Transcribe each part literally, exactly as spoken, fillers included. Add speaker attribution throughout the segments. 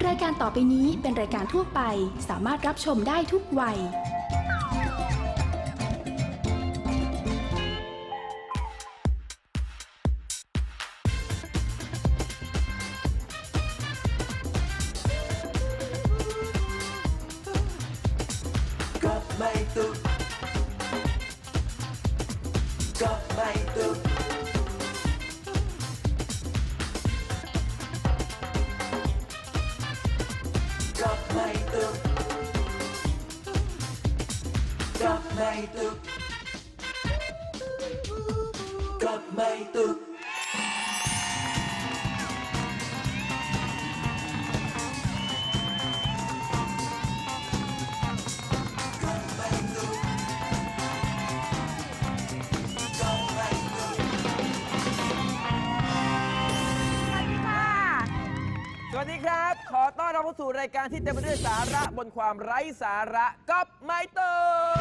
Speaker 1: รายการต่อไปนี้เป็นรายการทั่วไปสามารถรับชมได้ทุกวัย
Speaker 2: ก็ไม่ตุกก็ไม่ตุกก็ไม่ตุกก็ไม่ตุกก็ไม่ตุก
Speaker 3: สวัสดีครับ ขอต้อนรับเข้าสู่รายการที่เต็มไปด้วยสาระบนความไร้สาระกับไมเตอร์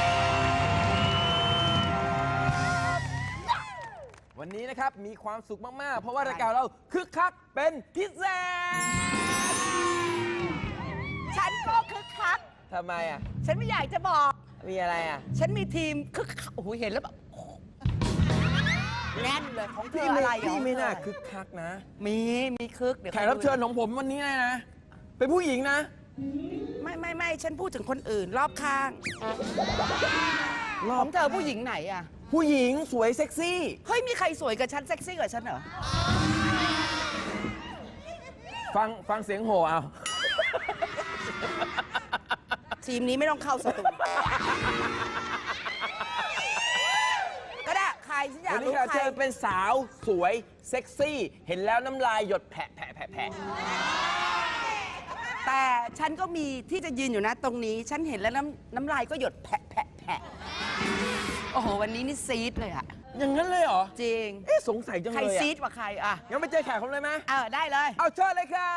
Speaker 3: วันนี้นะครับมีความสุขมาก ๆ เพราะว่ารายการเราคึกคักเป็นพิเศษ
Speaker 4: ฉันก็คึกคัก
Speaker 3: ทำไมอ่ะ
Speaker 4: ฉันไม่อยากจะบอก
Speaker 3: มีอะไรอ่ะ
Speaker 4: ฉันมีทีมคึกคักโอ้โหเห็นแล้วแบบแน่นเลยของเธอ
Speaker 3: พี่
Speaker 4: อะ
Speaker 3: ไม่
Speaker 4: ไร
Speaker 3: พี่ไม่น่า
Speaker 4: ของเธอ
Speaker 3: คึกคักนะ
Speaker 4: มีมีคึกเดี๋ยว
Speaker 3: แขกรับเชิญของผมวันนี้นะ เป็นผู้หญิงนะ
Speaker 4: ไม่ไม่ไม่ฉันพูดถึงคนอื่นรอบข้าง
Speaker 3: ร
Speaker 4: ข
Speaker 3: อ
Speaker 4: อบ งเธอผู้หญิงไหนอะ
Speaker 3: ผู้หญิงสวยเซ็กซี่
Speaker 4: เฮ้ยมีใครสวยกับฉันเซ็กซี่กว่าฉันเหรอ
Speaker 3: ฟังฟังเสียงโห่เอา
Speaker 4: ทีมนี้ไม่ต้องเข้าสตูก็ได้ใครฉันอยาก
Speaker 3: วันนี้
Speaker 4: รู้
Speaker 3: แขกรับ
Speaker 4: ใคร
Speaker 3: เชิญเป็นสาวสวยเซ็กซี่ เห็นแล้วน้ำลายหยดแผะแผะแผะแผะ
Speaker 4: แต่ฉันก็มีที่จะยืนอยู่นะตรงนี้ ฉันเห็นแล้วน้ำน้ำลายก็หยดแผะแผะแผะโอ้โหวันนี้นี่ซีดเลยอะ
Speaker 3: อย่างนั้นเลยเหรอ
Speaker 4: จริง
Speaker 3: เอ๊ะสงสัยจัง
Speaker 4: ใคร
Speaker 3: เลย
Speaker 4: ซี
Speaker 3: อะ
Speaker 4: ดกว่าใครอะ
Speaker 3: งั้นไปเจอแขกคนเลยไหม
Speaker 4: เออได้เลย
Speaker 3: เอาเชิญเลยครับ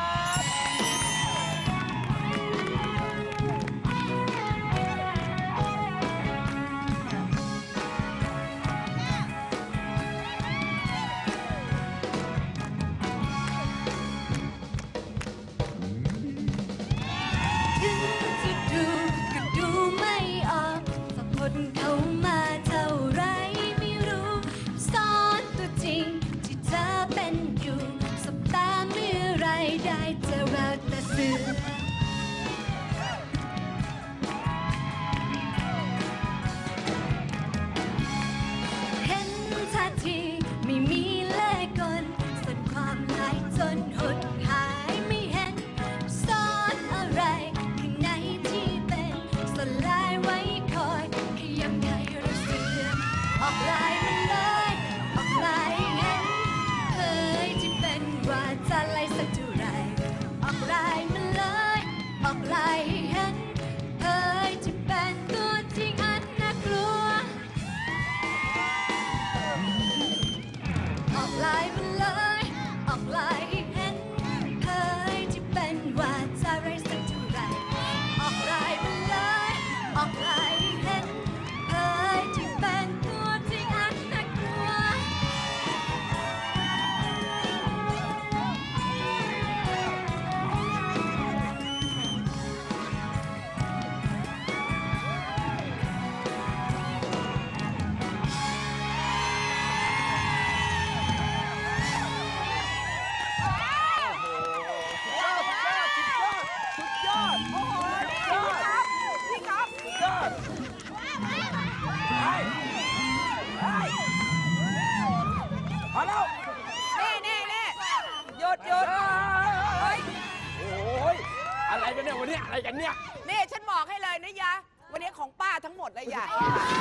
Speaker 5: ถึงจะดูก็ดูไม่ออกสักคนเข้ามาเท่าไรไม่รู้ซ่อนตัวจริงที่เธอเป็นอยู่สบตาเมื่อไรได้เจอเราแต่สื่อเห็นท่าทีไม่มีเล่ห์กลส่วนความหลายจนหดหายไม่เห็นซ่อนอะไรข้างในที่เป็นสลายไว้คอยขยับให้เราเสื่อมออกลายมันเลยออกลายเห็นเคยที่เป็นว่าจะไล่สักเท่าไรออกลายมันเลยออกลายให้เห็นเคยที่เป็นตัวจริงอันน่ากลัว ออกลายมาเลย ออกลายให้เห็นเคยที่เป็นว่าจะไรสักเท่าไรออกลายมาเลย ออกลายให้เห็นเคยที่เป็นตัวจริงอันน่ากลัว
Speaker 3: สุดยอด
Speaker 4: โอ้โหนี่ครับพี่ก๊อฟ
Speaker 3: สุดยอดไปไปพอแล้ว
Speaker 4: นี่นี่นี่หยุดหยุด
Speaker 3: เฮ้ยโอ้ยอะไรกันเนี่ยวันนี้อะไรกันเนี่ย
Speaker 4: นี่ฉันบอกให้เลยนะยะ วันนี้ของป้าทั้งหมดเลยยะ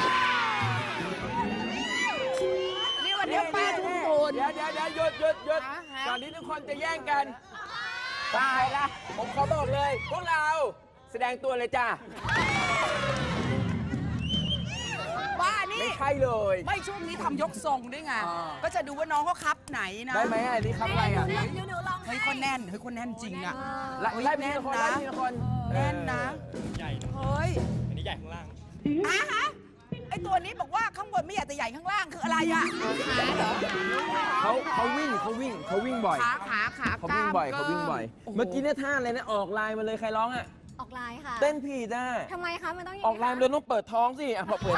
Speaker 4: นี่วันนี้ป้าทุ่มทุน
Speaker 3: เดี๋ยวเดี๋ยวเดี๋ยวหยุดหยุดหยุด
Speaker 4: ฮะฮะ
Speaker 3: ก่อนที่ทุกคนจะแย่งกันตายละผมขอบอกเลย พวกเราแสดงตัวเลยจ้า
Speaker 4: ป้านี่
Speaker 3: ไม่ใช่เลย
Speaker 4: ไม่ช่วงนี้ทำยกทรงด้วยไง
Speaker 3: อ่า
Speaker 4: ก็จะดูว่าน้องเขาคับไหนนะ
Speaker 3: ได้ไหมอันนี้คำอะไรอ่ะ
Speaker 4: เฮ้ยคนแน่น เฮ้ยคนแน่นจริงอ่ะ
Speaker 3: ไล่
Speaker 4: เฮ้ย
Speaker 3: ไล่ที
Speaker 4: แน่น
Speaker 3: ละคน
Speaker 4: นะ
Speaker 3: ไล่ทีละคน
Speaker 4: แน่นนะ
Speaker 6: ใหญ่นะ
Speaker 4: เฮ้ย
Speaker 6: อันนี้ใหญ่ข้างล่าง
Speaker 4: อ่ะฮะไอตัวนี้บอกว่าข้างบนไม่อยากแต่ใหญ่ข้างล่างคืออะไรอะขาเหรอ
Speaker 3: เขาเขาวิ่งเขาวิ่งเขาวิ่งบ่อย
Speaker 4: ขาขาขา
Speaker 3: เขาวิ่งบ่อย
Speaker 4: กล้
Speaker 3: เขาวิ่งบ่อย
Speaker 4: โโห
Speaker 3: เมื่อกี้เนี่ยท่าอะไรนะออกลายมาเลยใครร้องอ่ะ
Speaker 5: ออกไลน์ค่ะ
Speaker 3: เต้นผิดอ่ะ
Speaker 5: ทำไมคะ มันต้องอย่าง
Speaker 3: ออกลายมาเลยต้องเปิดท้องสิอ่ะพอเปิด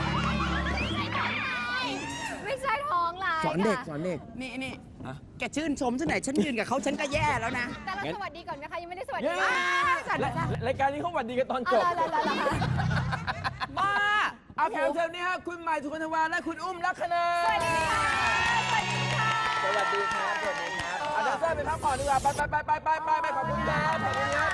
Speaker 5: ไม่ใช่ท้องไลน์
Speaker 3: สอนเด็ก
Speaker 5: ค่ะ
Speaker 3: สอนเด็ก
Speaker 4: นี่นี่
Speaker 3: ฮะ
Speaker 4: แกชื่นชมฉันไหนอยฉันยืนกับเขาฉันก็แย่แล้วนะ
Speaker 5: แต่เรา
Speaker 3: งั้น
Speaker 5: สวัสดีก่อนไหมคะ ยังไม่ได้สวัสดี
Speaker 3: เย้
Speaker 5: อ่าสวัสดี
Speaker 3: และ
Speaker 5: ค่ะ
Speaker 3: รายการนี้เขาหวัดดีกันตอนจ
Speaker 5: เอา
Speaker 3: บ
Speaker 5: ละละละละ
Speaker 4: บ้า
Speaker 3: เอาแขกรับเชิญนี่ฮะคุณใหม่สุวรรณวาและคุณอุ้มลักษณา
Speaker 5: สวัสดีค่ะ สวัสดีค่ะ
Speaker 3: สวัสดีครับสวัสดีครับอาจารย์เต้ยไปพักผ่อนดีกว่าไปไปไปไปไปไปไปขอบคุณครับขอบคุณครับ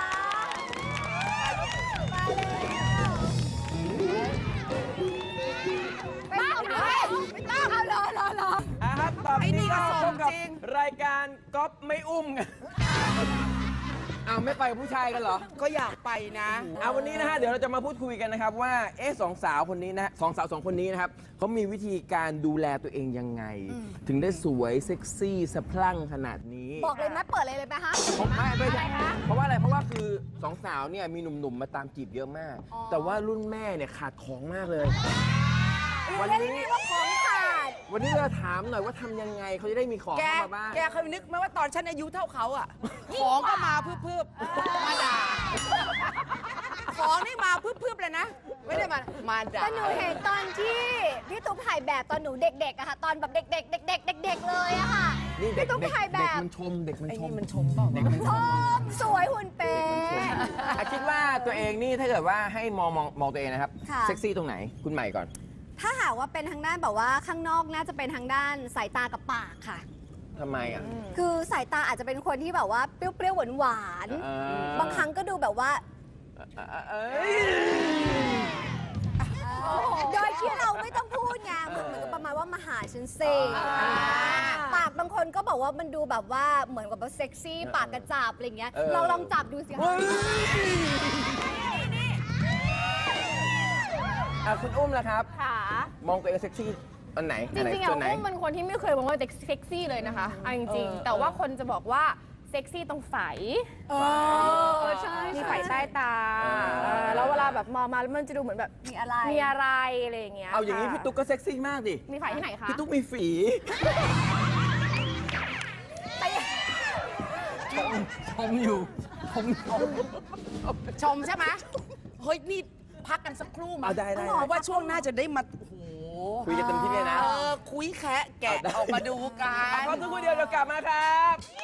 Speaker 5: ไปเอาเลยไม่ต้องเอารอรอรอ
Speaker 3: อ่ะครับตอน
Speaker 4: ไอ้นี่
Speaker 3: นี้
Speaker 4: ก็
Speaker 3: ก็
Speaker 4: ส่
Speaker 3: พ
Speaker 4: ง
Speaker 3: บกับ
Speaker 4: จริง
Speaker 3: รายการก๊อฟไม่อุ้มกันอ้าวไม่ไปกับผู้ชายกันเหรอ
Speaker 4: ก็อยากไปนะ
Speaker 3: เอาวันนี้นะฮะเดี๋ยวเราจะมาพูดคุยกันนะครับว่าเอ๊ะสองสาวคนนี้นะสองสาวสองคนนี้นะครับเขามีวิธีการดูแลตัวเองยังไง ถึงได้สวยเซ็กซี่สะพรั่งขนาดนี้
Speaker 5: บอกเลยไหมเปิดเลยเลยไหมคะ
Speaker 3: ผมไม่ไม่
Speaker 5: อะไรคะ
Speaker 3: เพราะว่าอะไรเพราะว่าคือสองสาวเนี่ยมีหนุ่มๆมาตามจีบเยอะมาก
Speaker 5: อ๋อ
Speaker 3: แต่ว่ารุ่นแม่เนี่ยขาดของมากเลย วัน
Speaker 5: เรียก
Speaker 3: นี้
Speaker 5: ได้ว่าของขาด
Speaker 3: วันนี้เราถามหน่อยว่าทำยังไงเขาจะได้มีของ
Speaker 4: แก
Speaker 3: เข้ามาบ้าง
Speaker 4: แกเคยนึกไหมว่าตอนฉันอายุเท่าเขาอะของก็มาพืบๆมาด่า ของนี่มาพืบๆเลยนะ ไม่ได้มา มาด่า
Speaker 5: แต่หนูเห็นตอนที่พี่ตุ๊กถ่ายแบบตอนหนูเด็กๆอะค่ะ ตอนแบบเด็กๆเด็กๆเด็กๆเลยอะค่ะ
Speaker 3: นี่เด็ก
Speaker 5: พี่ตุ๊ก
Speaker 3: เด็ก
Speaker 5: ถ่ายแบ
Speaker 3: เด็ก
Speaker 5: บ
Speaker 3: มันชมเด็กมัน
Speaker 4: ไอ้
Speaker 3: ช
Speaker 4: นี่
Speaker 3: ม
Speaker 4: มันชมเปล่า
Speaker 3: เด็กมันช
Speaker 5: ช
Speaker 3: ม
Speaker 5: มสวยหุ่นเป๊ะ
Speaker 3: อ่ะคิดว่าตัวเองนี่ถ้าเกิดว่าให้มองมองมองตัวเองนะครับ
Speaker 5: ค่ะ
Speaker 3: เซ็กซี่ตรงไหนคุณใหม่ก่อน
Speaker 5: ถ้าหากว่าเป็นทางด้านแบบว่าข้างนอกน่าจะเป็นทางด้านสายตากับปากค่ะ
Speaker 3: ทำไมอ่ะ
Speaker 5: คือสายตาอาจจะเป็นคนที่แบบว่าเปรี้ยวๆหวาน
Speaker 3: เออ
Speaker 5: ๆบางครั้งก็ดูแบบว่า
Speaker 3: เอ่อเอ้ย
Speaker 5: โดยที่เราไม่ต้องพูดไงเหมือนเหมือนกับประมาณว่ามาหาฉันเซ
Speaker 3: อ่า
Speaker 5: ปากบางคนก็บอกว่ามันดูแบบว่าเหมือนกับว่าเซ็กซี่ปากกระจับอะไรเงี้ย
Speaker 3: เออ
Speaker 5: เราลองจับดูสิ
Speaker 3: เฮ้
Speaker 5: คะ
Speaker 3: ยอ่ะคุณอุ้มล่ะครับ
Speaker 6: ค่ะ
Speaker 3: มองตัวเองเซ็กซี่อันไหน
Speaker 6: จ
Speaker 3: อันไหน
Speaker 6: ริงๆอะ
Speaker 3: ส่วนไหน
Speaker 6: อุ้มเป็นคนที่ไม่เคยมองว่าเซ็กซี่เลยนะคะเอาจริง
Speaker 3: เออ
Speaker 6: ๆ แต่ว่าคนจะบอกว่าเซ็กซี่ตรงไฝ
Speaker 5: เออใช่
Speaker 6: มีไฝใต้ตาเออแล้วเวลาแบบมองมาแล้วมันจะดูเหมือนแบบ
Speaker 5: มีอะไร
Speaker 6: มีอะไรอะไรอย่างเงี้ย
Speaker 3: เอาอย่างนี้
Speaker 6: ค่ะ
Speaker 3: พี่ตุ๊กก็เซ็กซี่มากดิ
Speaker 6: มีไฝที่ไหนคะ
Speaker 3: พี่ตุ๊กมีฝีชมชมอยู่ชมชม
Speaker 4: ชมใช่ไหมเฮ้ย นี่พักกันสักครู่มา
Speaker 3: เอาได้ได้
Speaker 4: เพราะว่าช่วงหน้าจะได้มา โอ้โห
Speaker 3: คุยกันเต็มที่เลยนะ
Speaker 4: เออ คุยแคะแกะ
Speaker 3: เอาได้
Speaker 4: ออกมาดูกั
Speaker 3: อ่ะ
Speaker 4: น
Speaker 3: พักสักครู่เดียวเดี๋ยวกลับมาครับ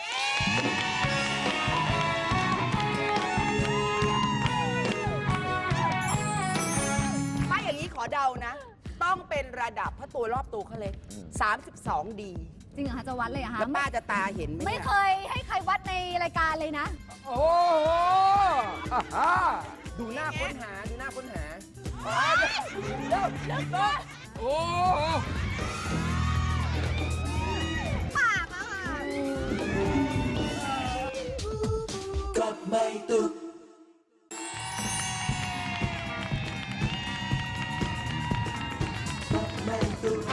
Speaker 4: ถ้าอย่างนี้ขอเดานะ ต้องเป็นระดับเพราะตัวรอบตัวเขาเลย สามสิบสอง ดี
Speaker 5: จริงเหรอคะจะวัดเลยเหรอคะ
Speaker 4: แล้วป้าจะตาเห็นไหม
Speaker 5: ไม่
Speaker 4: นี่
Speaker 5: เคยให้ใครวัดในรายการเลยนะ
Speaker 3: โอ้โหอ่าฮะดูหน้าค้นหา ดูหน้าค้นหาเร็วเร็วต้โอ้โห
Speaker 5: ปากอะค่ะ
Speaker 2: กับไม่ตุกกับไม่ตุก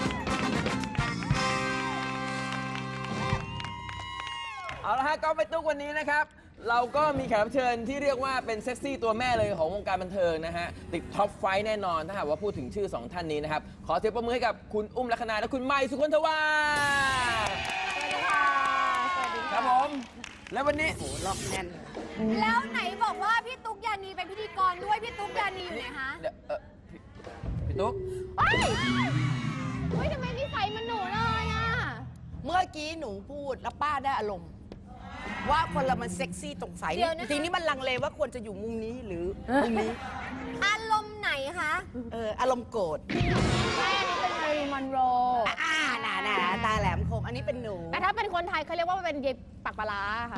Speaker 3: เอาละฮะก็ไปตุ๊กวันนี้นะครับ เราก็มีแขกรับเชิญที่เรียกว่าเป็นเซ็กซี่ตัวแม่เลยของวงการบันเทิงนะฮะ ติดท็อปไฟว์แน่นอนถ้าหากว่าพูดถึงชื่อ 2 ท่านนี้นะครับ ขอเสียงปรบมือให้กับคุณอุ้มลักษณาและคุณไมค์สุคนทวา
Speaker 6: สวัสดีค่ะ สวัสดี
Speaker 3: ค
Speaker 6: ค่ะ
Speaker 3: รับผม และวันนี้
Speaker 4: โอ้โหรอบแน่น
Speaker 5: แล้วไหนบอกว่าพี่ตุ๊กยานีเป็นพิธีกรด้วย พี่ตุ๊กยานีอยู่ไหนคะ
Speaker 3: เดี๋ยวเอ่อพี่พี่ตุ๊ก
Speaker 6: เฮ้ยเฮ้ยทำไมนิสัยมันหนูเลยอ่ะ
Speaker 4: เมื่อกี้หนูพูดแล้วป้าได้อารมณ์ ว่าคนเรามันเซ็กซี่ตรงไฟ
Speaker 5: เดี๋ยวนะคะ
Speaker 4: ทีนี้มันลังเลว่าควรจะอยู่มุมนี้หรือมุมนี้
Speaker 5: อารมณ์ไหนคะ
Speaker 4: เอออารมณ์โกรธ
Speaker 6: ใช่อันนี้เป็นมารีมอนโร
Speaker 4: อ่าน่ะน่ะตาแหลมคม อันนี้เป็นหนู
Speaker 6: แต่ถ้าเป็นคนไทยเขาเรียกว่าเป็นเย็บปากปลาร้าค่ะ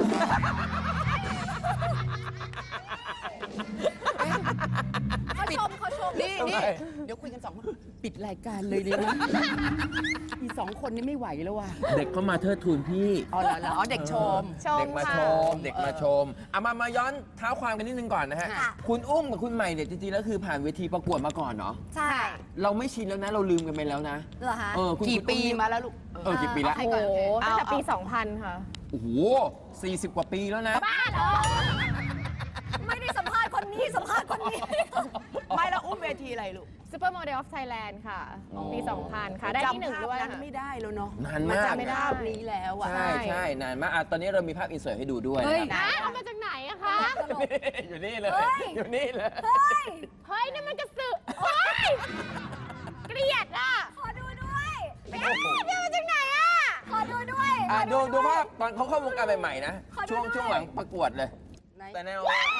Speaker 5: เขาชมเขาชม
Speaker 4: นี่นี่เดี๋ยวคุยกันสองคนปิดรายการเลยดีไหมอีสองคนนี้ไม่ไหวแล้วว่ะ
Speaker 3: เด็กเข้ามาเทิดทูนพี่
Speaker 4: อ๋อเหรอเหรออ๋อเด็กชม
Speaker 6: ชม
Speaker 3: เด็กมา
Speaker 6: ค่ะ
Speaker 3: ชม เด็กมาชมเอามามาย้อนเท้าความกันนิดนึงก่อนนะฮะ
Speaker 4: ค่ะ
Speaker 3: คุณอุ้มกับคุณใหม่เนี่ยจริงๆแล้วคือผ่านเวทีประกวดมาก่อนเนาะ
Speaker 5: ใช่
Speaker 3: เราไม่ชินแล้วนะ เราลืมกันไปแล้วนะ
Speaker 5: เหรอคะ
Speaker 3: เออคุณ
Speaker 4: กี่
Speaker 3: คุณ
Speaker 4: ปี
Speaker 3: อุ้
Speaker 4: มาแล้วลูก
Speaker 3: เออกี่ปีแล้ว
Speaker 6: โอ้โหตั้งแต่
Speaker 4: เอา
Speaker 6: ปี
Speaker 4: เอา
Speaker 6: สองพันค่ะ
Speaker 3: โอ้โหสี่สิบกว่าปีแล้วนะ
Speaker 6: บ้าเหรอ
Speaker 5: ไม่ได้สัมภาษณ์คนนี้สัมภาษณ์คนนี้
Speaker 4: ไม่แล้วอุ้มเวทีอะไรลูก
Speaker 6: Supermodel of Thailand ค่ะ
Speaker 3: อ๋อ
Speaker 6: ปี สองพัน ค่ะ ได้ที่หนึ่งด้วย
Speaker 4: จำภาพนั้น
Speaker 6: ค่ะ
Speaker 4: ไม่ได้แล้วเนาะ
Speaker 3: นานมาก
Speaker 4: จำภาพนี้แล้วอะ
Speaker 3: ใช่ใช่นานมากอ่ะตอนนี้เรามีภาพอินเสิร์ตให้ดูด้วย
Speaker 5: เฮ้ย
Speaker 3: นะครับ
Speaker 6: นะเอามาจากไหนอะคะ
Speaker 3: อยู่นี่เลย
Speaker 5: เฮ้ย
Speaker 3: อยู่นี่เลย
Speaker 5: เฮ้ย
Speaker 6: เฮ้ยนั่นมันกระสือโอ๊ยเกลียดอะ
Speaker 5: ขอดูด้วย
Speaker 6: เอ๊ะเนี่ยมาจากไหนอะ
Speaker 5: ขอดูด้วย
Speaker 3: อ่ะดูดูภาพตอนเขาเข้าวงการใหม่ๆนะ
Speaker 5: ขอดู
Speaker 3: ช่วง
Speaker 5: ด้วย
Speaker 3: ช่วงหลังประกวดเลย
Speaker 4: ไหน
Speaker 3: แต่แนว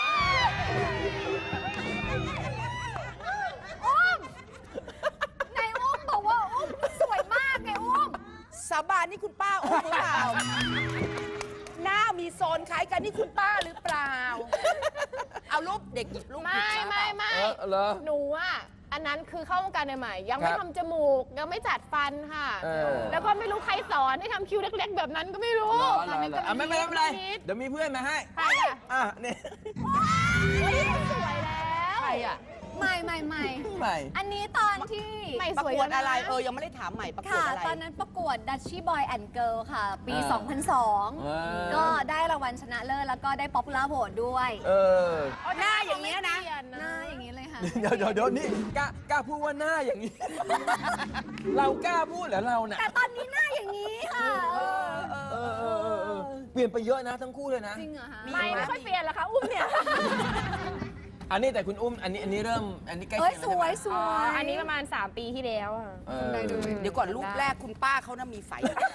Speaker 5: อุ้มไหนอุ้มบอกว่าอุ้มสวยมากไงอุ้ม
Speaker 4: สาบานนี่คุณป้าอุ้มหรือเปล่า หน้ามีโซนคล้ายกันนี่คุณป้าหรือเปล่า เอารูปเด็กหยิบรูป
Speaker 6: ไม่
Speaker 4: ผิดา
Speaker 6: ไม่ไม่
Speaker 3: เออเหรอ
Speaker 6: หนูอะอันนั้นคือเข้าวงการใหม่ๆยังไม่
Speaker 3: ครับ
Speaker 6: ทำจมูก ยังไม่จัดฟันค่ะ
Speaker 3: เออ
Speaker 6: แล้วก็ไม่รู้ใครสอนให้ทำคิ้วเล็กๆ แบบนั้นก็ไม่รู้
Speaker 3: เหรอเหรอเหรออ่ะไม่เป็นไรไม่เป็นไร
Speaker 6: นิด
Speaker 3: เดี๋ยวมีเพื่อนมาให้
Speaker 6: ใครอะ
Speaker 3: อ่ะนี่
Speaker 6: เฮ้ยสวยแล้ว
Speaker 4: ใครอะ
Speaker 5: ใหม่ใหม่ใหม่
Speaker 3: ใหม่
Speaker 5: อันนี้ตอนที่
Speaker 6: ใหม่
Speaker 4: ประ
Speaker 6: สวย
Speaker 4: กวด
Speaker 6: แล้วน
Speaker 4: อะไร เออ ยังไม่ได้ถามใหม่ประกวด
Speaker 5: ค่ะ
Speaker 4: อะไร
Speaker 5: ตอนนั้นประกวด Dutchy Boy and Girl ค่ะ ปี
Speaker 3: อ่า
Speaker 5: สองพันสอง
Speaker 3: อ่า
Speaker 5: ก็ได้รางวัลชนะเลิศแล้วก็ได้ Popular Vote ด้วย
Speaker 3: เออ
Speaker 4: หน้าอย่างเงี้ยนะ
Speaker 5: หน้าอย่างนี้เลยค่ะ
Speaker 3: เดี๋ยวเดี๋ยวเดี๋ยวนี่กล้ากล้าพูดว่าหน้าอย่างนี้ เรากล้าพูดเหรอเราเนี่ย
Speaker 5: แต่ตอนนี้หน้าอย่างนี้ค่ะเออ
Speaker 3: เออเออเออเออเปลี่ยนไปเยอะนะทั้งคู่เลยนะ
Speaker 5: จริงเหรอคะ
Speaker 6: ไม่ไม่ค่อยเปลี่ยนละคะอุ้มเนี่ย
Speaker 3: อันนี้แต่คุณอุ้มอันนี้อันนี้เริ่มอันนี้ใกล้
Speaker 5: เอ้
Speaker 3: เคี
Speaker 5: ย
Speaker 3: ยง
Speaker 5: ส
Speaker 3: แล้วใช่
Speaker 5: ว
Speaker 3: ไหม
Speaker 5: ยสวย
Speaker 6: อันนี้ประมาณ สาม ปีที่แล้วอะ
Speaker 3: เออ
Speaker 4: เดี๋ยวก่อนรูปแรกคุณป้าเขาน่ะมีไฟ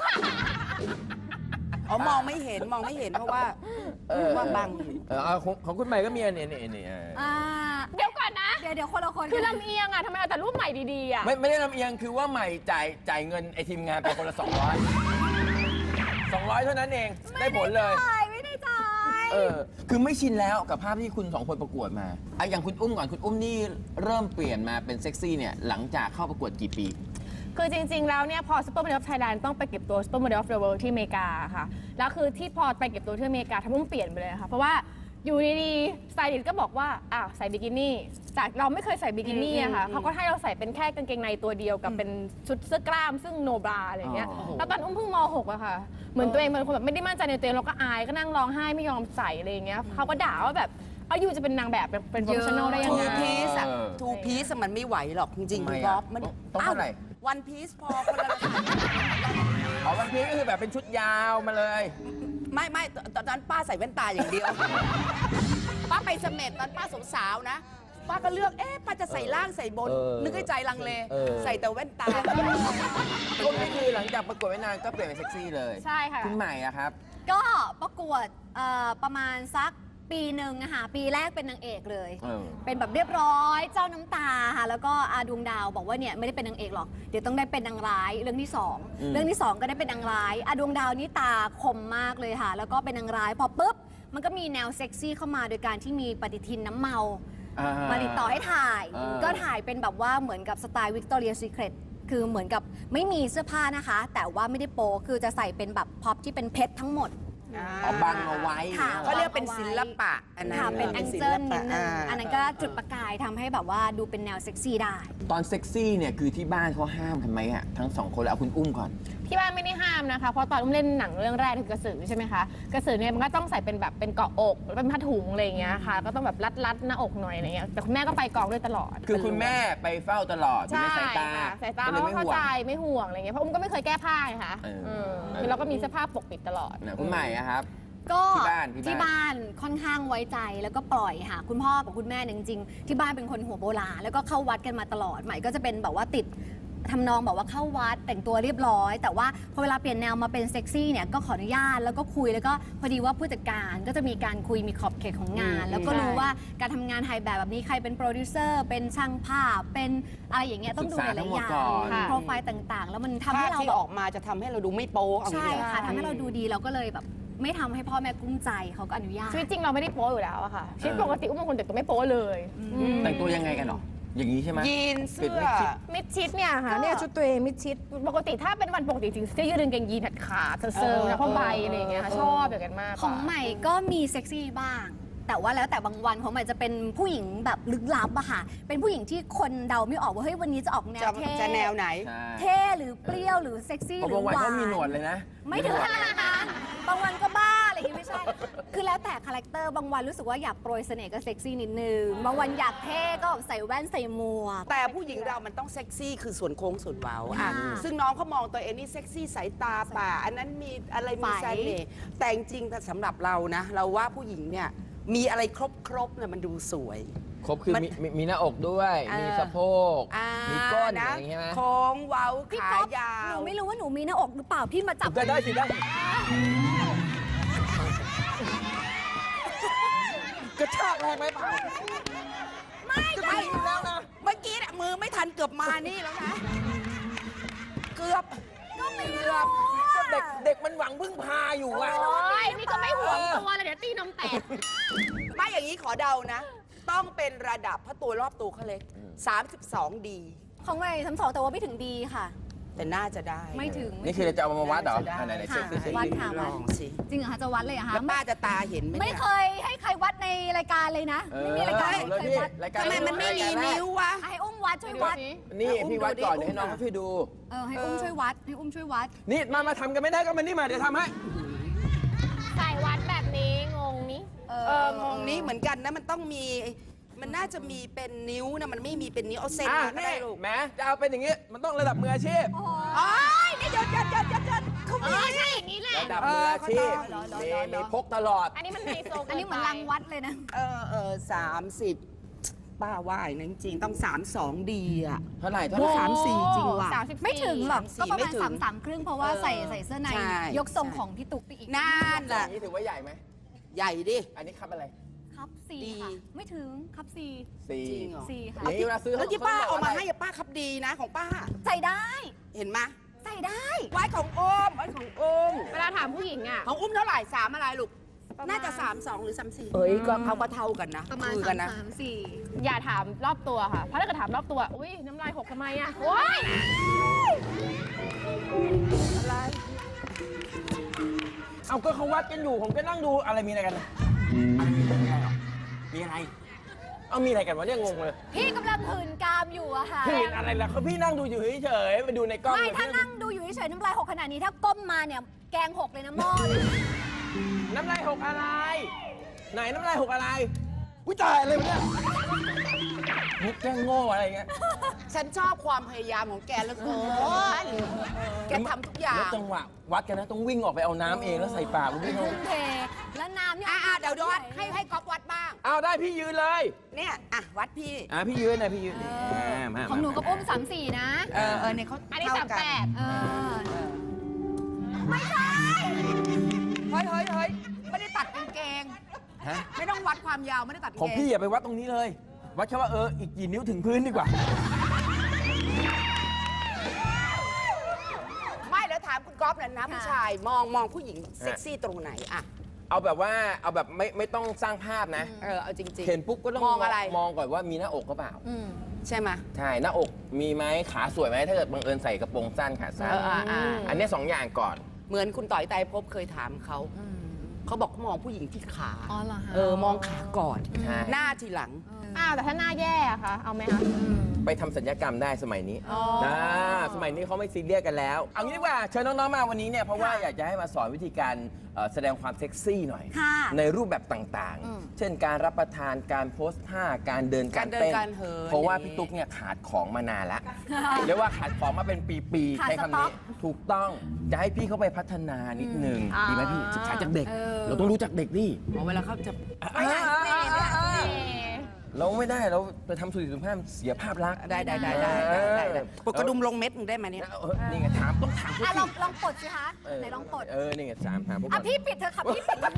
Speaker 4: อ๋อ มองไม่เห็น มองไม่เห็นเพราะว่า
Speaker 3: เออ
Speaker 4: ว่าบังอยู่
Speaker 3: เออเอาของของคุณใหม่ก็มีอันนี้อันนี้อันนี้เออ
Speaker 5: อ่า
Speaker 6: เดี๋ยวก่อนนะ
Speaker 5: เดี๋ยวเดี๋ยวคนละคน
Speaker 6: คือลำเอียงอะทำไมเอาแต่รูปใหม่ดีๆอะ
Speaker 3: ไม่ไม่ได้ลำเอียงคือว่าใหม่จ่ายจ่ายเงินไอทีมงานไปคนละสองร้อยสองร้อยเท่านั้นเองได้ผลเลย
Speaker 5: ถ่ายไม่ได้ถ่าย
Speaker 3: เออคือไม่ชินแล้วกับภาพที่คุณสองคนประกวดมาอ่ะอย่างคุณอุ้มก่อนคุณอุ้มนี่เริ่มเปลี่ยนมาเป็นเซ็กซี่เนี่ยหลังจากเข้าประกวดกี่ปี
Speaker 6: คือจริง ๆ แล้วเนี่ยพอ Supermodel of Thailand ต้องไปเก็บตัว Supermodel of the World ที่อเมริกาค่ะ แล้วคือที่พอไปเก็บตัวที่อเมริกาทำให้อุ้มเปลี่ยนไปเลยค่ะ เพราะว่าอยู่ดีๆสไตลิสต์ก็บอกว่าอ้าวใส่บิกินี่จากเราไม่เคยใส่บิกินี่อะค่ะเขาก็ให้เราใส่เป็นแค่กางเกงในตัวเดียวกับเป็นชุดเสื้อกล้ามซึ่งโนบราอะไรอย่างเงี้ย
Speaker 3: อ๋อ
Speaker 6: แล้วตอนอุ้มเพิ่งม หกอะค่ะ เหมือนตัวเองเป็นคนแบบไม่ได้มั่นใจในตัวเองเราก็อายก็นั่งร้องไห้ไม่ยอมใส่อะไรอย่างเงี้ยเขาก็ด่าว่าแบบเอาอยู่จะเป็นนางแบบเป็นโปรเฟชชั่นอลได้ยัง
Speaker 4: ทู
Speaker 6: ไง
Speaker 4: พีซอะ
Speaker 3: เออ
Speaker 4: ทูพีซมันไม่ไหวหรอกจริงๆ
Speaker 3: ทำไม
Speaker 4: คุณ
Speaker 3: อะ
Speaker 4: ก๊อฟมัน
Speaker 3: ต้องต้องเท่าไหร่
Speaker 4: วันพีซพอคนละ
Speaker 3: อ๋อวันพีชก็คือแบบเป็นชุดยาวมาเลย
Speaker 4: ไม่ไม่ตอนนั้นป้าใส่แว่นตาอย่างเดียว ป้าไปเสม็ดตอนป้าสาวๆนะ ป้าก็เลือก เอ๊ะ ป้าจะใส่ล่างใส่บน
Speaker 3: เออ
Speaker 4: นึกให้ใจลังเล
Speaker 3: เออ
Speaker 4: ใส่แต่แว่นตา
Speaker 3: ก็นี่คือหลังจากประกวดไม่นานก็เปลี่ยนเป็นเซ็กซี่เลย
Speaker 6: ใช่ค่ะ
Speaker 3: คุณใหม่อะครับ
Speaker 5: ก็ประกวดเอ่อประมาณสักปีหนึ่งอะค่ะปีแรกเป็นนางเอกเลย
Speaker 3: เออ
Speaker 5: เป็นแบบเรียบร้อยเจ้าน้ำตาค่ะแล้วก็อาดวงดาวบอกว่าเนี่ยไม่ได้เป็นนางเอกหรอกเดี๋ยวต้องได้เป็นนางร้ายเรื่องที่สอง
Speaker 3: อืม
Speaker 5: เรื่องที่สองก็ได้เป็นนางร้ายอาดวงดาวนี่ตาคมมากเลยค่ะ แล้วก็เป็นนางร้ายพอปุ๊บมันก็มีแนวเซ็กซี่เข้ามาโดยการที่มีปฏิทินน้ำเมา
Speaker 3: อ่
Speaker 5: มาติดต่อให้ถ่าย
Speaker 3: อ่า
Speaker 5: ก็ถ่ายเป็นแบบว่าเหมือนกับสไตล์วิกตอเรียซีเครตคือเหมือนกับไม่มีเสื้อผ้านะคะ แต่ว่าไม่ได้โป๊คือจะใส่เป็นแบบพ็อปที่เป็นเพชรทั้งหมด
Speaker 3: เอาบังเอาไว้
Speaker 5: ค่ะ
Speaker 4: เขาเรียกเป็นศิลปะอันนั้น
Speaker 5: ค่ะเป็นแองเจิลนิดนึง
Speaker 4: า
Speaker 5: อันนั้นก็จุดประกายทำให้แบบว่าดูเป็นแนวเซ็กซี่ได้
Speaker 3: ตอนเซ็กซี่เนี่ยคือที่บ้านเขาห้ามกันไหมอะทั้งสองคนแล้วเอาคุณอุ้มก่อน
Speaker 6: ที่บ้านไม่ได้ห้ามนะคะ เพราะตอนอุ้มเล่นหนังเรื่องแรกคือกระสือใช่ไหมคะ กระสือเนี่ยมันก็ต้องใส่เป็นแบบเป็นเกาะอกแล้วเป็นผ้าถุงอะไรอย่างเงี้ยค่ะ ก็ต้องแบบรัดรัดๆหน้าอกหน่อยอะไรเงี้ย แต่คุณแม่ก็ไปกองด้วยตลอด
Speaker 3: คือคุณแม่ไปเฝ้าตลอดอยู่
Speaker 6: ใช่
Speaker 3: ในสายตา
Speaker 6: ค่ะสายตา
Speaker 3: ก็เล
Speaker 6: เขา
Speaker 3: ย
Speaker 6: ก็
Speaker 3: ไม่
Speaker 6: เข้า
Speaker 3: ห่วง
Speaker 6: ใจไม่ห่วงอะไรเงี้ย เพราะอุ้มก็ไม่เคยแก้ผ้าไงคะ
Speaker 3: เออ
Speaker 6: เออ
Speaker 3: เออ
Speaker 6: คือเราก็มีเสื้อผ้าปกปิดตลอด
Speaker 3: นะคุณใหม่อะครับ
Speaker 5: ก็
Speaker 3: ที่บ้านที่บ้าน
Speaker 5: ที่บ้านค่อนข้างไว้ใจแล้วก็ปล่อยค่ะ คุณพ่อกับคุณแม่เนี่ยจริงๆที่บ้านเป็นคนหัวโบราณแล้วก็เข้าวัดกันมาตลอดใหม่ก็จะเป็นแบบว่าติดทำนองแบบว่าเข้าวัดแต่งตัวเรียบร้อย แต่ว่าพอเวลาเปลี่ยนแนวมาเป็นเซ็กซี่เนี่ยก็ขออนุญาตแล้วก็คุยแล้วก็พอดีว่าผู้จัดการก็จะมีการคุยมีขอบเขตของงาน
Speaker 4: อืม
Speaker 5: แล้วก็รู้
Speaker 6: ใช่
Speaker 5: ว่าการทำงานถ่ายแบบแบบนี้ใครเป็นโปรดิวเซอร์เป็นช่างภาพเป็นอะไรอย่างเงี้ยต้องดูหลายๆอย่าง
Speaker 3: ศึกษาทั้งหมดก่อน
Speaker 5: โปรไฟล์ต่างๆ แล้วมันทำ
Speaker 4: ภา
Speaker 5: ให้
Speaker 4: พ
Speaker 5: เรา
Speaker 4: ที่
Speaker 5: แบบ
Speaker 4: ออกมาจะทำให้เราดูไม่โป๊เอา
Speaker 5: ใช่
Speaker 4: อย่างนี้
Speaker 5: ค่ะทำให้เราดูดีเราก็เลยแบบไม่ทำให้พ่อแม่กุ้มใจเขาก็อนุญาต
Speaker 6: ชีวิตจริงเราไม่ได้โป๊อยู่แล้วอะค่ะ ชีวิตปกติอุ้มเป็นคนแต่งตัวไม่โป๊เลยอืม
Speaker 3: แต่งตัวยังไงกันหรอ อย่างนี้ใช่ไหม
Speaker 4: ยีน
Speaker 3: ปิด
Speaker 4: เสื้อ
Speaker 3: ไม่คิด
Speaker 6: มิดชิดเนี่ยค่ะเนี่ยชุดตัวเองมิดชิดปกติถ้าเป็นวันปกติถึงเสื้อยืดกางเกงยีนขาดๆเซอร์ๆนะผ้าใบอะไรอย่างเงี้ยค่ะชอบอย่างนั้นมากกว่า
Speaker 5: ของใหม่ก็มีเซ็กซี่บ้าง แต่ว่าแล้วแต่บางวันของใหม่จะเป็นผู้หญิงแบบลึกลับอะค่ะ เป็นผู้หญิงที่คนเดาไม่ออกว่าเฮ้ยวันนี้จะออกแน
Speaker 4: จะ
Speaker 5: วเท่
Speaker 4: จะแนวไหน
Speaker 3: ใช่
Speaker 5: เท่หรือเปรี้ยวหรือเซ็กซี่
Speaker 3: เพ
Speaker 5: ห
Speaker 3: ราะ
Speaker 5: รื
Speaker 3: บา
Speaker 5: อง
Speaker 3: วัน
Speaker 5: หวาน
Speaker 3: ก็มีหนวดเลยนะ
Speaker 5: ไม่ถึงขนาดนั้นบางวันก็บ้าอะไรอย่างงี้ไม่ใช่ คือคือแล้วแต่คาแรคเตอร์บางวันรู้สึกว่าอยากโปรยเสน่ห์ก็เซ็กซี่นิดนึง บางวันอยากเท่ก็ใส่แว่นใส่หมวก
Speaker 4: แต่ผู้หญิงเรามันต้องเซ็กซี่คือส่วนโค้งส่วนเว้าอ่ะ
Speaker 5: ค่ะ
Speaker 4: ซึ่งน้องเขามองตัวเองนี่เซ็กซี่สายตาป่า อันนั้นมีอะไรมี
Speaker 5: ไฝ
Speaker 4: เสน่ห์แต่จริงๆแต่สำหรับเรานะ เราว่าผู้หญิงเนี่ยมีอะไรครบครบๆเนี่ยมันดูสวย
Speaker 3: ครบคือ
Speaker 4: มัน
Speaker 3: มีมีมีหน้าอกด้วย
Speaker 4: เออ
Speaker 3: มีสะโพก
Speaker 4: อ่า
Speaker 3: มีก้น
Speaker 4: นะ
Speaker 3: อย่างงี้ใช่ไหม
Speaker 4: โค้งเว้า
Speaker 5: พี่
Speaker 4: ขา
Speaker 5: ก๊อฟ
Speaker 4: ยา
Speaker 5: หนู
Speaker 4: ว
Speaker 5: ไม่รู้ว่าหนูมีหน้าอกหรือเปล่าพี่มาจับ
Speaker 3: ได้ได้สิได้สิ กระชากแรงไหมเปล่า
Speaker 4: ไม่ได้แล้วนะเมื่อกี้เนี่ยมือไม่ทันเกือบมานี่แล้วนะ เกือบก็ไม่เกือบ
Speaker 3: ก็เด็กเด็กมันหวังพึ่งพาอยู่อะ
Speaker 6: โอ้ยนี่ก็ไม่ห่วงตัวเลยเดี๋ยวตีนมแตก
Speaker 4: ไม่อย่างนี้ขอเดานะ ต้องเป็นระดับเพราะตัวรอบตัวเขาเล็กสามสิบสองดี
Speaker 5: ของไงสามสองแต่ว่าไม่ถึงดีค่ะ
Speaker 4: แต่น่าจะได้
Speaker 5: ไม่ถึง
Speaker 3: นี่คือเราจะเอามาวัดเหรอ
Speaker 4: น่าจะได้
Speaker 3: อันไหนไหน
Speaker 5: ค่ะ
Speaker 3: เช็คสิเช็ค
Speaker 5: วัด
Speaker 3: สิ
Speaker 5: ค่ะ
Speaker 4: ลองสิ
Speaker 5: จริงเหรอคะจะวัดเลยเหรอคะ
Speaker 4: แล้วป้าจะตาเห็นไหม
Speaker 5: ไม่
Speaker 4: เนี่ย
Speaker 5: เคยให้ใครวัดในรายการเลยนะ ไม่มีรายการ
Speaker 3: เอา
Speaker 5: ที่
Speaker 3: เลย
Speaker 5: เคย
Speaker 3: พี่
Speaker 5: วัด
Speaker 3: รายการ
Speaker 4: ทำไมมันไม่มี
Speaker 3: รายการแรก
Speaker 4: นิ้ววะ
Speaker 5: ให้อุ้มวัดช่วยวัด
Speaker 3: นี่พี่วัดก่อน
Speaker 4: อุ้ม
Speaker 3: เดี๋ยวให้น้อง
Speaker 4: ดูดิ
Speaker 3: เขาช่วยดู
Speaker 5: เออให้อุ้มช่วยวัดให้อุ้มช่วยวัด
Speaker 3: นี่มามาทำกันไม่ได้ก็มานี่มาเดี๋ยวทำให้
Speaker 6: ใส่วัดแบบนี้งงนี้
Speaker 5: เอ
Speaker 4: เอองงนี้เหมือนกันนะมันต้องมี มันน่าจะมีเป็นนิ้วนะมันไม่มีเป็นนิ้วเอาเส้น
Speaker 3: อ่ะ
Speaker 4: มาก็
Speaker 3: นี่
Speaker 4: ได้ลูก
Speaker 3: แหมจะเอาเป็นอย่างงี้ มันต้องระดับมืออาชีพ
Speaker 4: อ๋อนี่เดี๋ยวเดี๋ยวเดี๋ยวเดี๋ยวเดี๋ยวเขา
Speaker 6: เอ
Speaker 4: มี
Speaker 6: อใช่อย่างนี้แหละ
Speaker 3: ระดับมืออาชีพ
Speaker 4: เออเขาต้อง
Speaker 3: นี่
Speaker 4: เหรอเหรอเหรอ
Speaker 3: มีพกตลอด
Speaker 6: อันนี้มันไฮโซ
Speaker 5: อันนี้เหมือนรังวัดเลยนะ
Speaker 4: เออเออสามสิบป้าว่าอย่างนั้นจริงๆต้องสามสองดีอ่ะ
Speaker 3: เท่าไหร่เท่า
Speaker 4: โอ้
Speaker 3: ไหร่
Speaker 4: สามสี่จริงว่ะ
Speaker 6: สามสิบ
Speaker 5: ไม่ถึงหรอก
Speaker 4: สามสี่
Speaker 5: ก็ประ
Speaker 4: ไม่
Speaker 5: มาณ
Speaker 4: ถึง
Speaker 5: สามสามครึ่งเพราะว่า
Speaker 4: เออ
Speaker 5: ใส่ใส่เสื้อใน
Speaker 4: ใช่
Speaker 5: ยกทรง
Speaker 4: ใช่
Speaker 5: ของพี่ตุ๊กไปอีก
Speaker 4: นั่น
Speaker 3: อ
Speaker 4: แหละ
Speaker 3: ย่างนี้ถือว่าใหญ่ไหม
Speaker 4: ใหญ่ดิ
Speaker 3: อันนี้ครับอะไร
Speaker 5: ครับสี่
Speaker 4: ดี
Speaker 5: ค่ะ ไม่ถึงครับสี่
Speaker 3: สี่
Speaker 4: จริงเหรอ
Speaker 5: สี่ค่ะ
Speaker 3: อย่างนี้เวลาซื้อ
Speaker 4: แล้วที่ป้า
Speaker 3: ข
Speaker 4: เอา
Speaker 3: บก
Speaker 4: มา
Speaker 3: ว่ะไร
Speaker 4: ให้อะป้าครับดีนะของป้า
Speaker 5: ใส่ได้
Speaker 4: เห็นไหม
Speaker 5: ใส่ได้
Speaker 4: ไว้ของโอมไว้ของโอม
Speaker 6: เวลาถามผู้หญิงอ่ะ
Speaker 4: ของอุ้มเท่าไหร่สามอะไรลูก
Speaker 6: ประมาณ
Speaker 4: น่าจะสามสองหรือสามสี่เอ้ยก็เขาก็เท่ากันนะ
Speaker 5: ประมาณ
Speaker 4: คือ
Speaker 5: สา
Speaker 4: กั
Speaker 5: ม
Speaker 4: นนะ
Speaker 5: สามสี่
Speaker 6: อย่าถามรอบตัวค่ะ เพราะถ้าเกิดถามรอบตัว อุ้ยน้ำลายหกทำไมอ่ะโอ้ย
Speaker 4: อะไร
Speaker 3: เอาก็เขาวัดกันอยู่ ผมก็นั่งดูอะไรมีอะไรกันนะมีอะไรหรอมีอะไร เอามีอะไรกันวะเนี่ยงงเลย
Speaker 5: พี่กำลังหืนกามอยู่อะค่ะ
Speaker 3: พี่เห็นอะไรล่ะเขาพี่นั่งดูอยู่เฉยๆไปดูในกล้อง
Speaker 5: ไม่
Speaker 3: เลย
Speaker 5: ถ้า
Speaker 3: พี่
Speaker 5: นั่งดูอยู่เฉยๆน้ำลายหกขนาดนี้ถ้าก้มมาเนี่ยแกงหกเลยนะหม้อเลย
Speaker 3: น้ำลายหกอะไร ไหนน้ำลายหกอะไรอุ้ยตายอะไรวะเนี่ยมุกแกล้งโง่อะไรเงี้ย
Speaker 4: ฉันชอบความพยายามของแกเหลือเกินแกทำทุกอย่า
Speaker 3: แล้ว
Speaker 4: ง
Speaker 3: จังหวะวัดกันนะต้องวิ่งออกไปเอาน้ำเองแล้วใส่ปากวิ่งเอา
Speaker 5: ทุ่มเทแล้วน้ำเนี่ย
Speaker 4: อ่ะๆเดี๋ยวเดี๋ยววัดให้ให้ก๊อฟวัดบ้าง
Speaker 3: เอาได้พี่ยืนเลย
Speaker 4: เนี่ยอ่ะวัดพี่
Speaker 3: อ่ะพี่ยืนนะพี่ยืนมามา
Speaker 5: ของหนูกับอุ้มสามสี่นะ
Speaker 4: เออเออเนี่ยเขา
Speaker 6: อันนี้
Speaker 4: เท่
Speaker 6: สามแปด
Speaker 5: เออ
Speaker 4: ไม่ใช่เฮ้ยเฮ้ยเฮ้ยไม่ได้ตัดกางเกง
Speaker 3: ฮะ
Speaker 4: ไม่ต้องวัดความยาวไม่ได้ตัดกาง
Speaker 3: ของ
Speaker 4: เกง
Speaker 3: พี่อย่าไปวัดตรงนี้เลย วัดแค่ว่าเอออีกกี่นิ้วถึงพื้นดีกว่า
Speaker 4: ไม่แล้วถามคุณก๊อฟเลยนะผู้ชายมองมองผู้หญิงเซ็กซี่ตรงไหนอะ
Speaker 3: เอาแบบว่าเอาแบบไม่ไม่ต้องสร้างภาพนะ
Speaker 4: เออเอาจริงๆ
Speaker 3: เห็นปุ๊บก็ต้อง
Speaker 4: มองอะไร
Speaker 3: มองก่อนว่ามีหน้าอกก็เปล่า
Speaker 5: อืม
Speaker 4: ใช่ไหม
Speaker 3: ใช่หน้าอกมีไหมขาสวยไหมถ้าเกิดบังเอิญใส่กระโปรงสั้นขาสั้น
Speaker 4: เอออ่าอ่า
Speaker 3: อันเนี้ยสองอย่างก่อน
Speaker 4: เหมือนคุณต่อยไตรภพเคยถามเขาเขาบอกเขามองผู้หญิงที่ขา
Speaker 5: อ๋อเหรอคะ
Speaker 4: เออมองขาก่อน
Speaker 3: ใช่
Speaker 4: หน้าทีหลัง
Speaker 6: อ้าวแต่ถ้าหน้าแย่อะคะเอาไหมคะ
Speaker 3: ไปทำสัญญกรรมได้สมัยนี้
Speaker 6: อ๋อ
Speaker 3: นะสมัยนี้เขาไม่ซีเรียสกันแล้ว เอางี้ดีกว่าเชิญน้องๆมาวันนี้เนี่ยเพราะว่าอยากจะให้มาสอนวิธีการเอ่อแสดงความเซ็กซี่หน่อย
Speaker 5: ค่ะ
Speaker 3: ในรูปแบบต่าง
Speaker 5: อืม
Speaker 3: ๆ เช่นการรับประทานการโพสท่าการเดินการ
Speaker 4: การเดิน
Speaker 3: เต้น
Speaker 4: การเหิน
Speaker 3: เพราะว่า
Speaker 4: อย่างนี้
Speaker 3: พี่ตุ๊กเนี่ยขาดของมานานแล้ว เรียกว่าขาดของมาเป็นปีๆ
Speaker 5: ขาด
Speaker 3: ใช้
Speaker 5: ส
Speaker 3: คำ
Speaker 5: ต๊อ
Speaker 3: นี้
Speaker 5: ก
Speaker 3: ถูกต้องจะให้พี่เขาไปพัฒนานิดนึง
Speaker 6: อืม
Speaker 3: ดีไหมพี่
Speaker 6: อ่า
Speaker 3: ศึกษาจากเด็ก
Speaker 5: เออ
Speaker 3: เราต้องรู้จักเด็กดิ
Speaker 4: อ๋อเวลาเขาจะ
Speaker 3: อ่าอ่าอ่าอ่าอ่า
Speaker 6: เอ๊ะ
Speaker 3: เราไม่ได้เราไปทำสุริสุภาพเสียภาพลักษณ์
Speaker 4: ได้ได้ได้ได้ได้ได้ได้
Speaker 3: เออ
Speaker 4: ปลดกระดุมลงเม็ดหนึ่งได้ไหมเนี่ย
Speaker 3: เออนี่ไงถามต้องถามเขา
Speaker 5: อ่ะ
Speaker 3: สิ
Speaker 5: ลองลองปลดสิคะ
Speaker 3: เออ
Speaker 5: ไหนลองปลด
Speaker 3: เออนี่ไงถามถามพวก
Speaker 5: อ่ะ
Speaker 3: มัน
Speaker 5: พี่ปิดเถอะค่ะพี่ปิด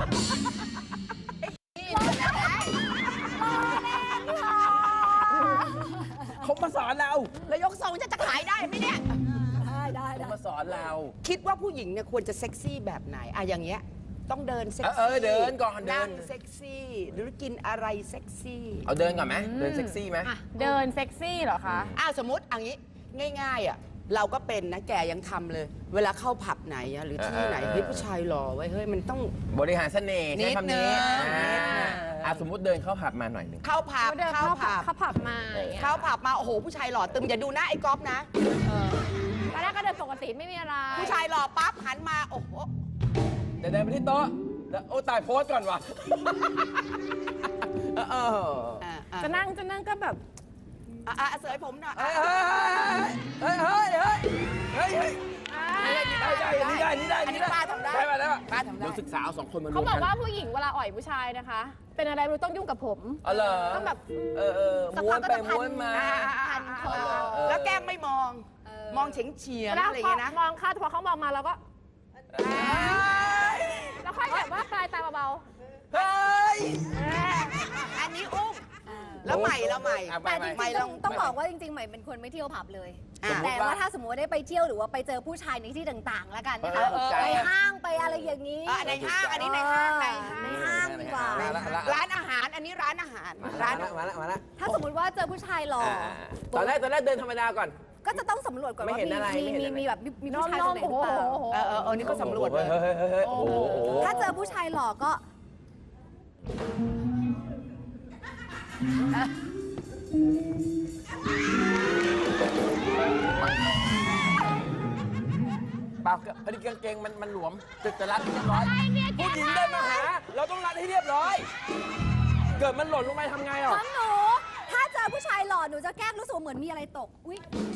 Speaker 5: รอเล่นค่ะ
Speaker 3: เขามาสอนเรา
Speaker 4: แล้วยกทรงจะจะขายได้ไหมเนี่ย
Speaker 5: ได้ได้
Speaker 3: เขา
Speaker 5: ได้
Speaker 3: มาสอนเรา
Speaker 4: คิดว่าผู้หญิงเนี่ยควรจะเซ็กซี่แบบไหนอะอย่างเงี้ยต้องเดินเซ็ก
Speaker 3: เออ
Speaker 4: ซี่
Speaker 3: เออเดินก่อนเดิน
Speaker 4: นั่งเซ็กซี่หรือกินอะไรเซ็กซี่
Speaker 3: เอาเดินก่อนไหมเดินเซ็กซี่ไหม
Speaker 6: อ่ะเดินเซ็กซี่เหรอคะ
Speaker 4: อ้าวสมมติอันนี้ง่ายๆอ่ะเราก็เป็นนะแกยังทำเลย เวลาเข้าผับไหนอะหรือที่ไหนเฮ้ยผู้ชายหล่อไว้ยเฮ้ยมันต้อง
Speaker 3: บริหารเสน่ห์ใช้คำนี้
Speaker 4: นิดนึง
Speaker 3: อ่า
Speaker 4: นิดนึง
Speaker 3: อ่ะสมมุติเดินเข้าผับมาหน่อยหนึ่ง
Speaker 4: เข้าผับ
Speaker 6: เดิน
Speaker 4: เข้า
Speaker 6: เข้าผั
Speaker 4: ผั
Speaker 6: บบ เข้าผับมาอย่างเงี้ย
Speaker 4: เข้าผับมาโอ้โหผู้ชายหล่อตึมอย่าดูหน้าไอ้ก๊อฟนะ
Speaker 6: ตอนแรกก็เดินปกติไม่มีอะไร
Speaker 4: ผู้ชายหล่อปั๊บหันมาโอ้โห
Speaker 3: เดินเดินไปที่โต๊ะแล้วโอ้ตายโพสต์ก่อนว่ะเออเออ
Speaker 4: อ่าอ่า
Speaker 6: จะนั่งจะนั่งก็แบบ
Speaker 4: อ่าอ่าเสยผมหน่อย
Speaker 3: เฮ้ยเฮ้ยเฮ้ยเฮ้ยเฮ้ยเฮ้ยได้ได้นี่ได้นี่ได้
Speaker 4: อันนี้ป้าทำได้
Speaker 3: ได้มาแล้ว
Speaker 4: ป้าทำได้
Speaker 3: เดี๋ยวศึกษาเอาสองคนมารวม
Speaker 6: เขาบอก
Speaker 3: กัน
Speaker 6: ว่าผู้หญิงเวลาอ่อยผู้ชายนะคะ เป็นอะไรไม่รู้ต้องยุ่งกับผม
Speaker 3: อ๋อเหรอ
Speaker 6: ต้องแบบ
Speaker 3: เออเออม้วนไปม้วนมา
Speaker 4: อ่าอ่าอ่าอ่าแล้วแกล้งไม่มอง มองเฉียงเฉียง
Speaker 6: แล้ว
Speaker 4: อะไรอย่าง
Speaker 6: พอ
Speaker 4: เงี้ยนะ
Speaker 6: มองเข้าพอเขามองมาเราก็ แล้วค่อยแบบว่าปลายตาเบา
Speaker 3: เฮ้ย
Speaker 4: อันนี้อุ้มแล้วใหม่แล้วใหม่
Speaker 3: อ่ะ
Speaker 7: แต่จริง
Speaker 4: ไม่
Speaker 7: ๆ
Speaker 4: ต้
Speaker 7: ต้
Speaker 4: อ
Speaker 7: อง งต้องบอกว่าจริงๆ ใหม่เป็นคนไม่เที่ยวผับเลย
Speaker 4: อ่า
Speaker 7: แต่ว่าถ้าสมมติว่าได้ไปเที่ยวหรือว่าไปเจอผู้ชายในที่ต่างๆ แล้วกันนะคะ
Speaker 3: เออเออ
Speaker 7: ไปห้างไปอะไรอย่างนี้
Speaker 4: อ่ะในห้างอันนี้ในห้างใน
Speaker 7: ใน
Speaker 4: ห้าง
Speaker 7: ห้างดีกว่า
Speaker 3: มาละมาละ
Speaker 4: ร้านอาหารอันนี้ร้านอาหาร
Speaker 3: มา
Speaker 4: ร้า
Speaker 3: ละ
Speaker 4: น
Speaker 3: มาละมาละ
Speaker 7: ถ้าสมมติว่าเจอผู้ชายหล่อ
Speaker 3: อ่าตอนแรกตอนแรกเดินธรรมดาก่อน
Speaker 7: ก็จะต้องสำรวจก่อน
Speaker 3: ไม่
Speaker 7: ว่า
Speaker 3: เห็นอะไร
Speaker 7: มี
Speaker 3: ไม่เห็น
Speaker 7: มี
Speaker 3: อะไร
Speaker 7: มีแบบมีมี
Speaker 6: ๆน้
Speaker 7: ผู้ชายคนไหนห
Speaker 6: โอ้
Speaker 7: รือเปล่า
Speaker 6: โห
Speaker 4: เออเออเออนี่ก็สำรวจเลย
Speaker 3: เฮ้ยเฮ้ยเฮ้ยเฮ้ยโอ้โห
Speaker 7: ถ้าเจอผู้ชายหล่อก็
Speaker 3: เปล่าพอดีกางเกงมันมันหลวมจะจะรัดให้เรียบร้อยผู้หญิงเดินมาหา เราต้องรัดให้เรียบร้อย เกิดมันหล่นลงไปทำไงอ่ะ
Speaker 7: ของหนู ถ้าเจอผู้ชายหล่อหนูจะแกล้งรู้สึกว่าเหมือนมีอะไรตก อุ้ย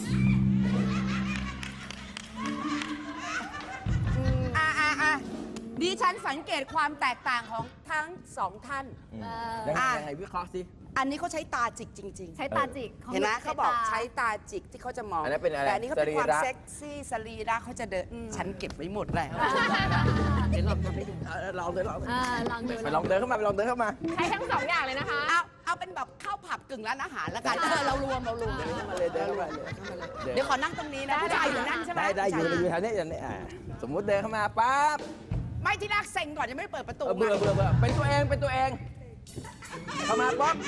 Speaker 4: อ่าอ่าอ่าดิฉันสังเกตความแตกต่างของทั้งสองท่าน
Speaker 3: ยังไง
Speaker 4: อ่ะ
Speaker 3: ยังไงวิเคราะห์สิ
Speaker 4: อันนี้เขาใช้ตาจิกจริง ๆ
Speaker 7: ใช้ตาจิกของ
Speaker 4: เห็นไหม
Speaker 7: ใช้
Speaker 4: เขาบอก
Speaker 7: ต
Speaker 4: ใช้ตาจิกที่เขาจะมอง
Speaker 3: อันนั้นเป็นอะไร
Speaker 4: แต่อันนี้เขาเป็นความ
Speaker 3: สรีระ
Speaker 4: เซ็กซี่สรีระเขาจะเดินฉันเก็บไว้หมดแล้วเดี๋ยวเราทำให้ดู
Speaker 3: เออลองเดินลอง
Speaker 7: อ่าลองดู
Speaker 3: ไปลองเดินเข้ามาไปลองเดินเข้ามา
Speaker 6: ใช้ทั้งสองอย่างเลยนะคะ
Speaker 4: เอาเอาเป็นแบบข้าวผับกึ่งร้านอาหารแล้วกันเออเรารวมเรารวม
Speaker 3: เดินเข้ามาเลยเดินเข้ามาเลย
Speaker 4: เดี๋ยวขอนั่งตรงนี้นะผู้ชายอยู่นั่นใช่ไหม
Speaker 3: ได้ได้อยู่
Speaker 4: ผู้ชา
Speaker 3: อยู่แถวนี้อย่างนี้อ่าสมมุติเดินเข้ามาปั๊บ
Speaker 4: ไม่ที่แรกเซ็งก่อนยังไม่ได้เปิดประตู
Speaker 3: เออเบื่อเบื่อเบื่อเป็นตัวเองเป็นตัวเอง เข้ามาป๊อก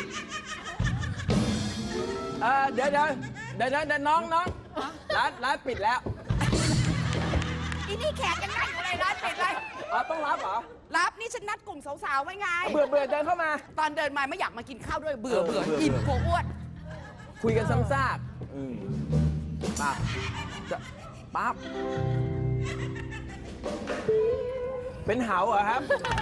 Speaker 3: เออเดี๋ยวเดี๋ยวเดี๋ยวเดี๋ยวเดี๋ยวน้องน้องร้านร้านปิดแล้ว
Speaker 4: อีนี่แขกยังนั่งอยู่เลยร้านปิดเลย
Speaker 3: อ๋อต้องรับเหรอ
Speaker 4: รับนี่ฉันนัดกลุ่มสาวๆไว้ไง
Speaker 3: เบื่อเบื่อเดินเข้ามา
Speaker 4: ตอนเดินมาไม่อยากมากินข้าวด้วยเบื่อ
Speaker 3: เออ
Speaker 4: เบื่อ
Speaker 3: เบื่อ
Speaker 4: อิ่ม
Speaker 3: เบื่อ
Speaker 4: กลัวอ้วน
Speaker 3: คุยกันซ้ำซากอืมปั๊บจะปั๊บเป็นเหาเหรอครับ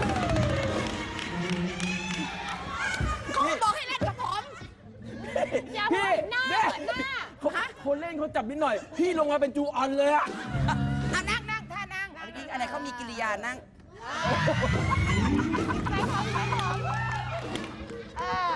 Speaker 4: ก็บอกให้เล่นกับผม
Speaker 6: อย่า
Speaker 3: พี่
Speaker 6: เปิดหน้า
Speaker 3: เนี่ย
Speaker 6: เปิดหน้า
Speaker 3: เขาคนเล่นเขาจับนิดหน่อย พี่ลงมาเป็นจูออนเลยอะ
Speaker 4: อ่ะนั่งนั่งท่านั่งเมื่อกี้อะไรเขามีกิริยานั่ง
Speaker 6: ใช้ของใช้ของเออ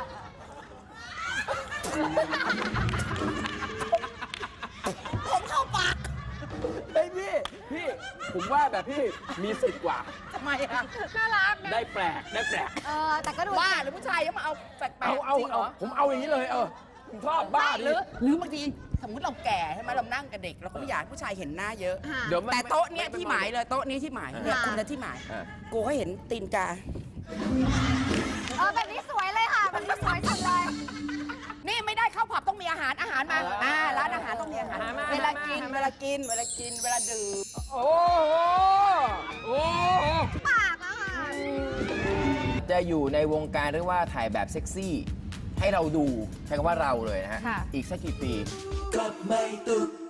Speaker 4: ผมเข้าปาก
Speaker 3: เฮ้ยพี่ พี่ ผมว่าแบบพี่มีสิทธิ์กว่า
Speaker 4: ทำไมอ่ะ
Speaker 6: น่ารักนะ
Speaker 3: ได้แปลก ได้แปลก
Speaker 7: เออแต่ก็ดู
Speaker 4: บ้าหรือผู้ชายยังมาเอาแปลกๆ
Speaker 3: เอาเอา
Speaker 4: จริงเหร
Speaker 3: เอา
Speaker 4: อ
Speaker 3: ผมเอาอย่างนี้เลย เออผมชอบบ้า
Speaker 4: ห
Speaker 3: ดิ
Speaker 4: รือหรือบางทีสมมติเราแก่ใช่ไหมเรานั่งกับเด็กเราก็ไม่อยากให้ผู้ชายเห็นหน้าเยอะ
Speaker 3: เดี๋ยวมัน
Speaker 4: แต่โต๊ะเนี้ยที่หมายเลยโต๊ะนี้ที่หมายเนี่ยคุณนะที่หมาย
Speaker 3: อ่ะ
Speaker 4: กูก็เห็นตีนกา
Speaker 7: เออแบบนี้สวยเลยค่ะแบบนี้สวยจังเลย
Speaker 4: นี่ไม่ได้เข้าผับต้องมีอาหารอาหารมาอ่าร้านอาหารต้องมีอาหาร
Speaker 3: อาหารมา
Speaker 4: เวลา
Speaker 3: อาหารมา
Speaker 4: กิน
Speaker 3: อาหารมา
Speaker 4: เวลากินเวลากินเวลาดื่ม
Speaker 3: โอ้โหโอ้โห
Speaker 7: ปากอะค่ะ
Speaker 3: จะอยู่ในวงการเรียกว่าถ่ายแบบเซ็กซี่ ให้เราดู ใช้คำว่าเราเลยนะฮะ
Speaker 6: ค่ะ
Speaker 3: อีกสักกี่ปี
Speaker 2: ก็ไม่ตุก